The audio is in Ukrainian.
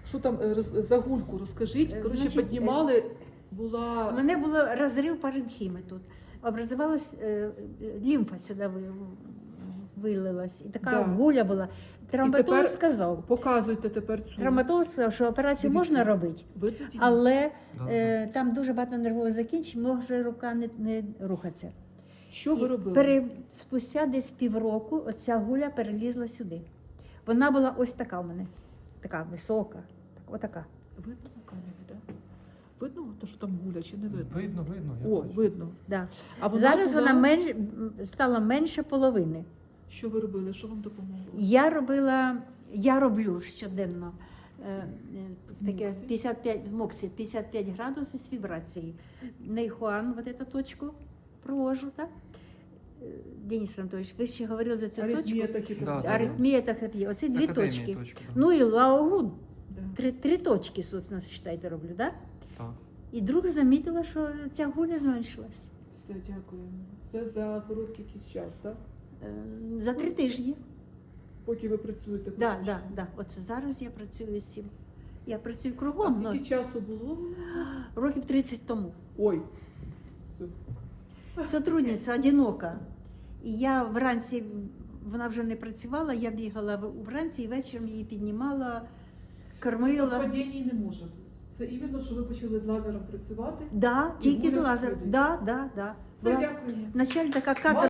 Що там за гульку розкажіть? Коротше, Значить, піднімали, У була... мене було розрив паренхіми тут. Образувалась лімфа сюди вилилась. І така Да. гуля була. Травматолог тепер сказав, Показуйте тепер цю. травматолог сказав, що операцію Дивіться. можна робити, Видно, Денис? але Да. там дуже багато нервових закінчень, може рука не рухатися. Що ви робили? Спустя десь півроку оця гуля перелізла сюди. Вона була ось така у мене, така висока, отака. Видно на камері, так? Видно, то, що там гуля, чи не видно? Видно, я О, бачу. видно. Да. А вона Зараз була... вона стала менше половини. Що ви робили? Що вам допомогло? Я роблю щоденно таке Моксі? 55, в Моксі 55 градусів з вібрації. Нейхуан, вот эту точку провожу, так? Денис Анатольевич, ви ще говорили за цю Аритмія точку. такі Да, да. Аритмія та ферпія. Оці З дві академії точки. точки, да. Ну і лаогуд. Да. Три точки, собственно, считайте, роблю, так? Так. І друг замітила, що ця гуля зменшилась. Все, дякую. Це за короткий якийсь час, так? За 3 тижні. Поки ви працюєте. Да, поки да, що. да. Оце зараз я працюю з цим. Я працюю А кругом, скільки часу було? років 30 тому. Ой. Все. Сотрудниця одинока. І я вранці, вона вже не працювала, я бігала вранці і вечором її піднімала, кормила. Совпадіння не може бути. Це іменно, що ви почали з лазером працювати. Да, І тільки з гуля лазером. сходить. Да. Все, Була дякую. вначале така кадрова.